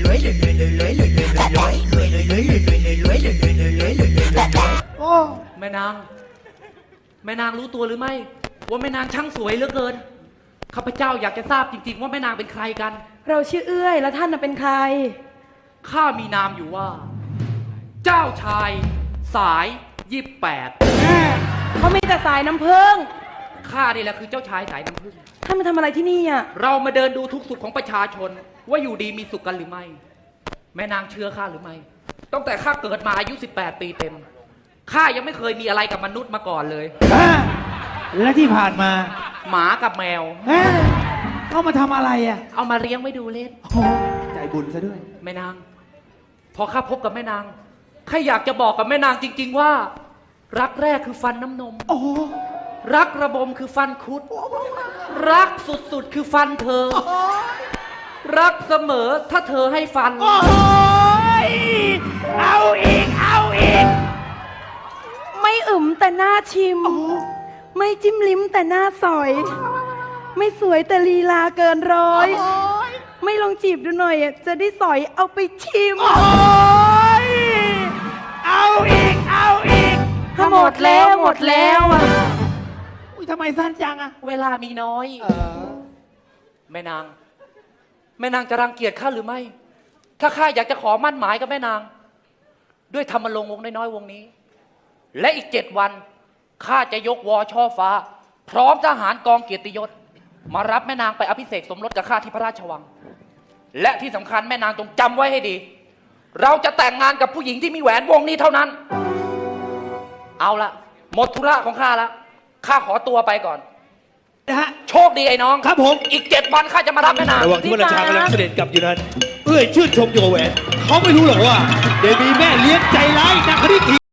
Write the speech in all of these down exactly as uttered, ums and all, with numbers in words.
โอ้แม่นาง แม่นางรู้ตัวหรือไม่ ว่าแม่นางช่างสวยเหลือเกิน ข้าพเจ้าอยากจะทราบจริงๆว่าแม่นางเป็นใครกันเราชื่อเอื้อยแล้วท่านน่ะเป็นใครข้ามีนามอยู่ว่า เจ้าชาย สายยี่แปดเขามีแต่สายน้ำผึ้งข้านี่แหละคือเจ้าชายสายน้ำผึ้งท่านมาทำอะไรที่นี่อ่ะเรามาเดินดูทุกสุขของประชาชน ว่าอยู่ดีมีสุขกันหรือไม่ แม่นางเชื่อข้าหรือไม่ตั้งแต่ข้าเกิดมาอายุสิบแปดปีเต็มข้ายังไม่เคยมีอะไรกับมนุษย์มาก่อนเลยอ่าและที่ผ่านมาหมากับแมวเอ๊ะเข้ามาทำอะไรอ่ะเอามาเลี้ยงไว้ดูเล่นโอ้ใจบุญซะด้วยแม่นาง พอข้าพบกับแม่นางข้าอยากจะบอกกับแม่นางจริง ๆ ว่า รักแรกคือฟันน้ำนมโอ้รักระบมคือฟันคุด รักสุดๆคือฟันเธอ รักเสมอถ้าเธอให้ฟันโอ้ยเอาอีก เอาอีกไม่อึมแต่หน้าชิม ไม่จิ้มลิ้มแต่หน้าสอย ไม่สวยแต่ลีลาเกินร้อย ไม่ลองจีบดูหน่อยอะจะได้สอยเอาไปชิมโอ้ยเอาอีก เอาอีกถ้าหมดแล้วหมดแล้วอะอุ้ยทำไมสั้นจังอ่ะเวลามีน้อย แม่นาง แม่นางจะรังเกียจข้าหรือไม่ ถ้าข้าอยากจะขอมั่นหมายกับแม่นาง ด้วยธรรมรงค์วงน้อยๆวงนี้ และอีกเจ็ดวันข้าจะยกวอช่อฟ้า พร้อมทหารกองเกียรติยศ มารับแม่นางไปอภิเษกสมรสกับข้าที่พระราชวัง และที่สำคัญแม่นางจงจำไว้ให้ดี เราจะแต่งงานกับผู้หญิงที่มีแหวนวงนี้เท่านั้น เอาละหมดธุระของข้าแล้วข้าขอตัวไปก่อนนะฮะโชคดีไอ้น้องครับผมอีกเจ็ดวันข้าจะมารับแม่นางระหว่างที่พระราชากำลังเสด็จกลับอยู่นั้น เอื้อยชื่นชมโยแหวน เขาไม่รู้หรอกว่า เดมีแม่เลี้ยงใจร้ายนักคณิตถี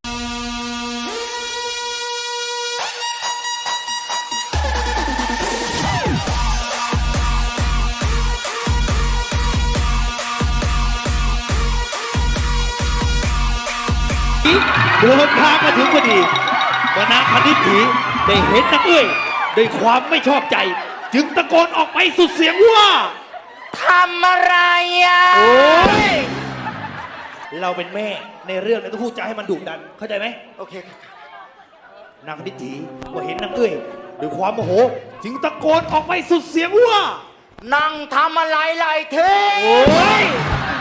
เดินทางมาถึงพอดีว่านางคณิตถีได้เห็นนางเอื้อยด้วยความไม่ชอบใจ จึงตะโกนออกไปสุดเสียงว่าทำอะไรอ่ะโอ้ย เราเป็นแม่ในเรื่องเนี่ยต้องพูดจาให้มันดุดัน เข้าใจไหมโอเคนางคณิตถีว่าเห็นนางเอ้ยด้วยความโมโห จึงตะโกนออกไปสุดเสียงว่านั่งทำอะไรไรเท่โอ้ย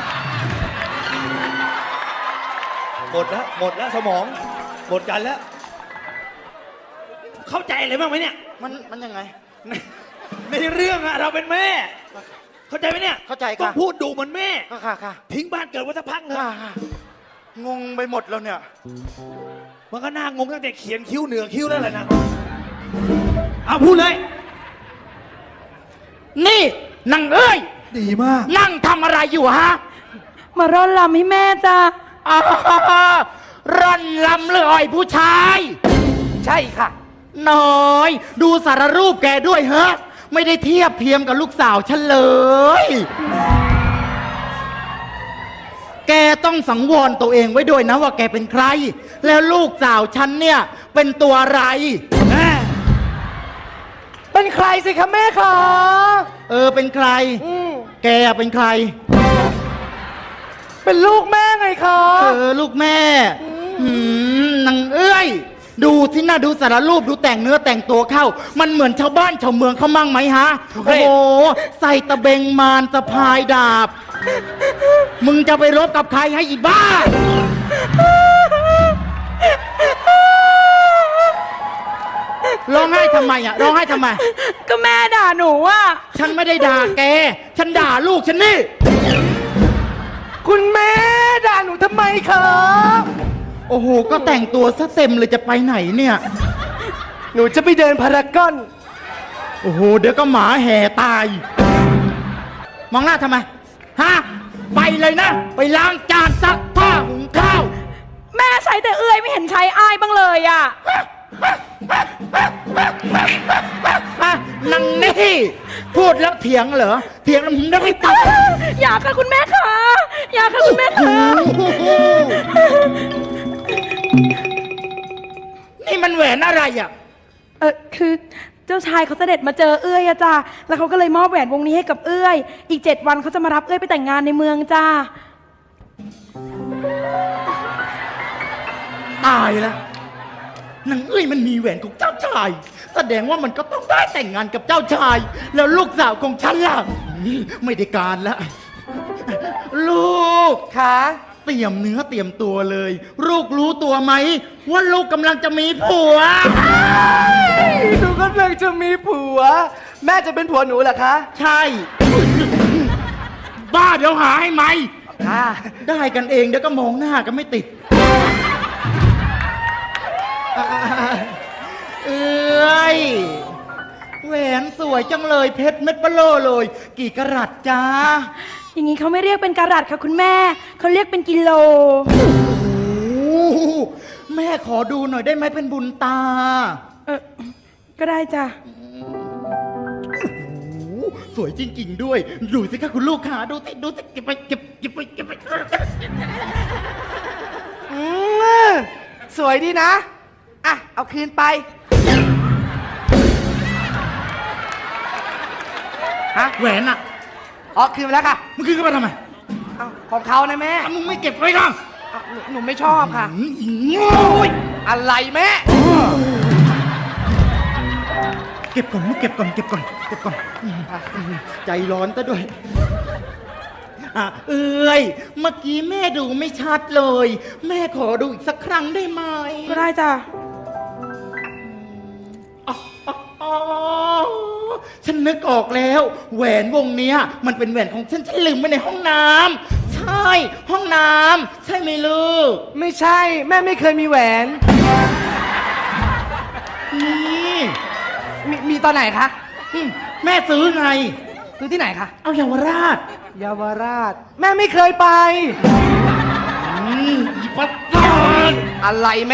หมดแล้ว หมดแล้วสมอง หมดกันแล้ว เข้าใจอะไรบ้างไหมเนี่ยมันมันยังไงในในเรื่องอะเราเป็นแม่ เข้าใจไหมเนี่ยเข้าใจค่ะต้องพูดดูเหมือนแม่ค่ะค่ะค่ะทิ้งบ้านเกิดไว้สักพักเถค่ะอะค่ะงงไปหมดแล้วเนี่ยมันก็น่างงตั้งแต่เขียนคิ้วเหนือคิ้วแล้วแหละนะเอาพูดเลยนี่นางเอ้ยดีมากนั่งทำอะไรอยู่ฮะมาร่อนลำให้แม่จ้าอ่าร่อนลำเลยผู้ชายใช่ค่ะน้อย ดูสารรูปแกด้วยเฮะไม่ได้เทียบเทียมกับลูกสาวฉันเลย แกต้องสังวรตัวเองไว้ด้วยนะว่าแกเป็นใคร แล้วลูกสาวฉันเนี่ยเป็นตัวอะไรเป็นใครสิคะแม่คะเออเป็นใคร แกเป็นใครเป็นลูกแม่ไงคะเออลูกแม่หืมนางเอ้ย ดูที่หน้าดูสารรูปดูแต่งเนื้อแต่งตัวเข้า มันเหมือนชาวบ้านชาวเมืองเขามั่งไหมฮะเฮ้โอ้ยโหใส่ตะเบงมารสะพายดาบ มึงจะไปรบกับใครให้อีบ้า ร้องไห้ทำไมอ่ะร้องไห้ทำไมก็แม่ด่าหนูอ่ะฉันไม่ได้ด่าแก ฉันด่าลูกฉันนี่คุณแม่ด่าหนูทำไมคะโอ้โห ก็แต่งตัวซะเต็มเลยจะไปไหนเนี่ยหนูจะไปเดินพารากอนโอ้โห เดี๋ยวก็หมาแห่ตาย มองหน้าทำไม ฮะ ไปเลยนะ ไปล้างจานซักผ้าหุงข้าวแม่ใช้แต่เอื้อยไม่เห็นใช้อ้ายบ้างเลยอ่ะฮะนังนี่ พูดแล้วเถียงเหรอ เถียงแล้วมึงได้ไม่ตัดอยากค่ะคุณแม่คะอยากค่ะคุณแม่คะนี่มันแหวนอะไรอ่ะเออคือเจ้าชายเขาเสด็จมาเจอเอื้อยอะจ้าแล้วเขาก็เลยมอบแหวนวงนี้ให้กับเอื้อย อีกเจ็ดวันเขาจะมารับเอื้อยไปแต่งงานในเมืองจ้าตายแล้วนางเอ้ยมันมีแหวนของเจ้าชาย แสดงว่ามันก็ต้องได้แต่งงานกับเจ้าชาย แล้วลูกสาวของฉันล่ะนี่ไม่ได้การแล้ว ลูกค่ะเตรียมเนื้อเตรียมตัวเลย ลูกรู้ตัวไหม ว่าลูกกำลังจะมีผัวหนูกำลังจะมีผัว แม่จะเป็นผัวหนูเหรอคะใช่ บ้าเดี๋ยวหาให้ไหมค่ะได้กันเองเดี๋ยวก็มองหน้ากันไม่ติด เอ้ยแหวนสวยจังเลยเพชรเม็ดเบลโลเลย กี่กะรัตจ้าอย่างนี้เขาไม่เรียกเป็นการัตค่ะคุณแม่ เขาเรียกเป็นกิโลโอ้โหแม่ขอดูหน่อยได้ไหมเป็นบุญตาเออก็ได้จ้ะโอ้โหสวยจริง ๆ ด้วย ดูสิคะคุณลูกค้าดูสิดูสิเก็บไปเก็บเก็บไปเก็บไปอืมสวยดีนะ อ่ะ เอาคืนไปฮะแหวนอ่ะอ๋อ คืนไปแล้วค่ะมันคือกันมาทำไมเอาของเขานะแม่อ่ะมึงไม่เก็บไว้หรอเอาหนูหนูไม่ชอบค่ะหืมอีโง่อะไรแม่เก็บก่อนมึงเก็บก่อนเก็บก่อนเก็บก่อนอืมใจร้อนซะด้วยอ่ะเอ้ยเมื่อกี้แม่ดูไม่ชัดเลย แม่ขอดูอีกสักครั้งได้ไหมก็ได้จ้ะอ๋ออ๋ออ๋อฉันนึกออกแล้ว แหวนวงเนี้ย มันเป็นแหวนของฉันฉันลืมไว้ในห้องน้ำใช่ ห้องน้ำใช่ไหมลูกไม่ใช่ แม่ไม่เคยมีแหวนนี่มีมีตอนไหนคะอืมแม่ซื้อไงซื้อที่ไหนคะเอาเยาวราชเยาวราช แม่ไม่เคยไปอืมอีปัตตานอะไรแม่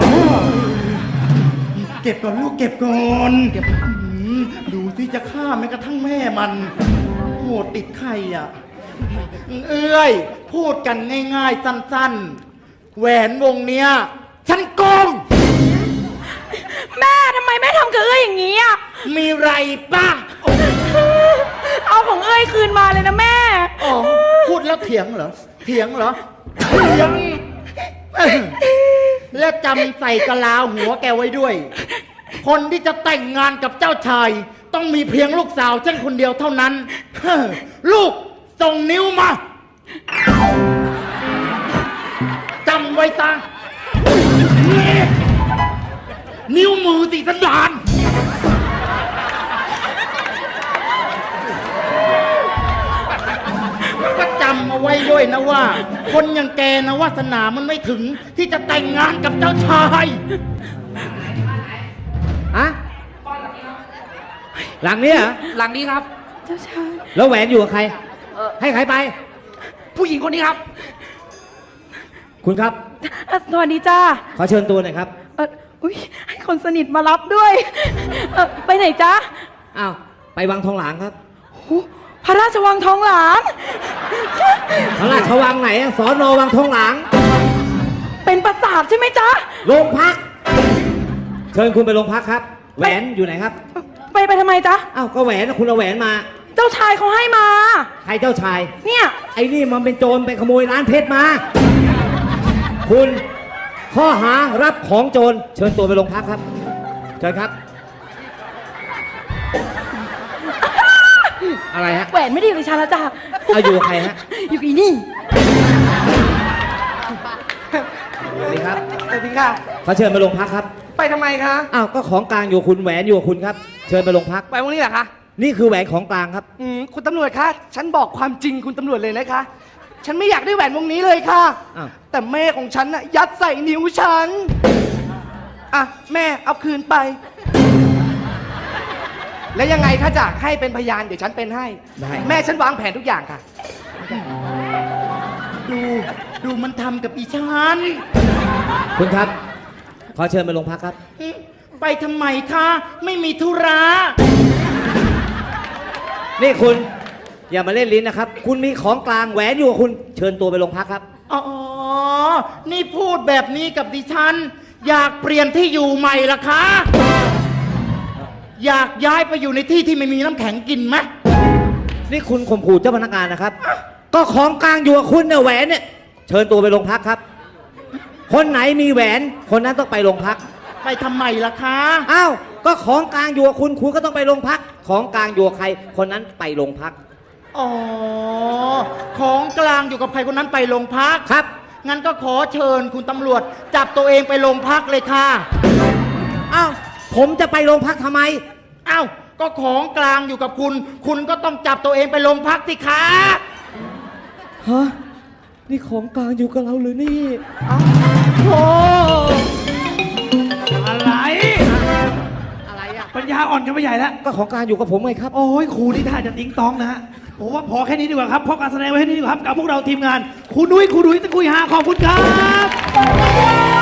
เก็บก่อนลูกเก็บก่อนเก็บดูที่จะฆ่าแม้กระทั่งแม่มันโหดติดใครอ่ะ เอ้ย พูดกันง่ายๆ สั้นๆ แหวนวงเนี้ย ฉันโกงแม่ทำไมแม่ทำกับเอ้ยอย่างนี้อ่ะมีไรป่ะเอาของเอ้ยคืนมาเลยนะแม่อ๋อพูดแล้วเถียงเหรอ เถียงเหรอ เถียง และจำใส่กะลาหัวแกไว้ด้วย คนที่จะแต่งงานกับเจ้าชาย ต้องมีเพียงลูกสาวฉันคนเดียวเท่านั้น ลูกส่งนิ้วมา จำไว้ซะนิ้วมือติสันดานด้วยนะว่า คนอย่างแกนะวาสนามันไม่ถึงที่จะแต่งงานกับเจ้าชายอะหลังนี้เหรอหลังนี้ครับเจ้าชายแล้วแหวนอยู่กับใครเออให้ใครไปผู้หญิงคนนี้ครับคุณครับอ่ะสวัสดีจ้าขอเชิญตัวหน่อยครับเอออุ้ยให้คนสนิทมารับด้วยเออไปไหนจ้าอ้าว ไปวังทองหลางครับพระราชวังทองหลางพระราชวังไหนอะสอนอวังทองหลางเป็นปราสาทใช่ไหมจ๊ะโรงพัก เชิญคุณไปโรงพักครับ แหวนอยู่ไหนครับไปไปทำไมจ๊ะอ้าว ก็แหวนนะคุณเอาแหวนมาเจ้าชายเขาให้มาใครเจ้าชายเนี่ยไอ้นี่มันเป็นโจรไปขโมยร้านเพชรมา คุณข้อหารับของโจร เชิญตัวไปโรงพักครับ เชิญครับ อะไรฮะแหวนไม่ได้อยู่ในชาละจ้ะเอาอยู่กับใครฮะอยู่กับอีนี่สวัสดีครับสวัสดีค่ะขอเชิญไปโรงพักครับไปทำไมคะอ้าว ก็ของกลางอยู่กับคุณแหวนอยู่กับคุณครับ เชิญไปโรงพักไปวันนี้เหรอคะนี่คือแหวนของกลางครับอืมคุณตำรวจคะ ฉันบอกความจริงคุณตำรวจเลยนะคะ ฉันไม่อยากได้แหวนวงนี้เลยค่ะอ้าวแต่แม่ของฉันน่ะยัดใส่นิ้วฉัน อ่ะ แม่เอาคืนไป แล้วยังไงถ้าจะให้เป็นพยานเดี๋ยวฉันเป็นให้ได้แม่ฉันวางแผนทุกอย่างค่ะดูดูมันทำกับอีฉันคุณครับ ขอเชิญไปโรงพักครับไปทำไมคะ ไม่มีธุระนี่คุณ อย่ามาเล่นลิ้นนะครับ คุณมีของกลางแหวนอยู่กับคุณ เชิญตัวไปโรงพักครับอ๋อ นี่พูดแบบนี้กับดิฉัน อยากเปลี่ยนที่อยู่ใหม่ละคะ อยากย้ายไปอยู่ในที่ที่ไม่มีน้ำแข็งกินไหมนี่คุณข่มขู่เจ้าพนักงานนะครับ ก็ของกลางอยู่กับคุณเนี่ยแหวนเนี่ย เชิญตัวไปโรงพักครับ คนไหนมีแหวน คนนั้นต้องไปโรงพักไปทำไมล่ะคะอ้าว ก็ของกลางอยู่กับคุณ คุณก็ต้องไปโรงพัก ของกลางอยู่กับใคร คนนั้นไปโรงพักอ๋อ ของกลางอยู่กับใครคนนั้นไปโรงพักครับงั้นก็ขอเชิญคุณตำรวจ จับตัวเองไปโรงพักเลยค่ะอ้าว ผมจะไปโรงพักทำไมอ้าว ก็ของกลางอยู่กับคุณ คุณก็ต้องจับตัวเองไปโรงพักสิคะฮะ นี่ของกลางอยู่กับเราหรือนี่โอ้อะไรอะไรอะปัญญาอ่อนกันไปใหญ่แล้วก็ของกลางอยู่กับผมไงครับโอ้ยครูนี่ท่าจะติ้งตองนะฮะผมว่าพอแค่นี้ดีกว่าครับเพราะการแสดงไว้แค่นี้ดีกว่าครับกับพวกเราทีมงานครูนุ้ยครูดุ้ยตะกุยหาขอบคุณครับ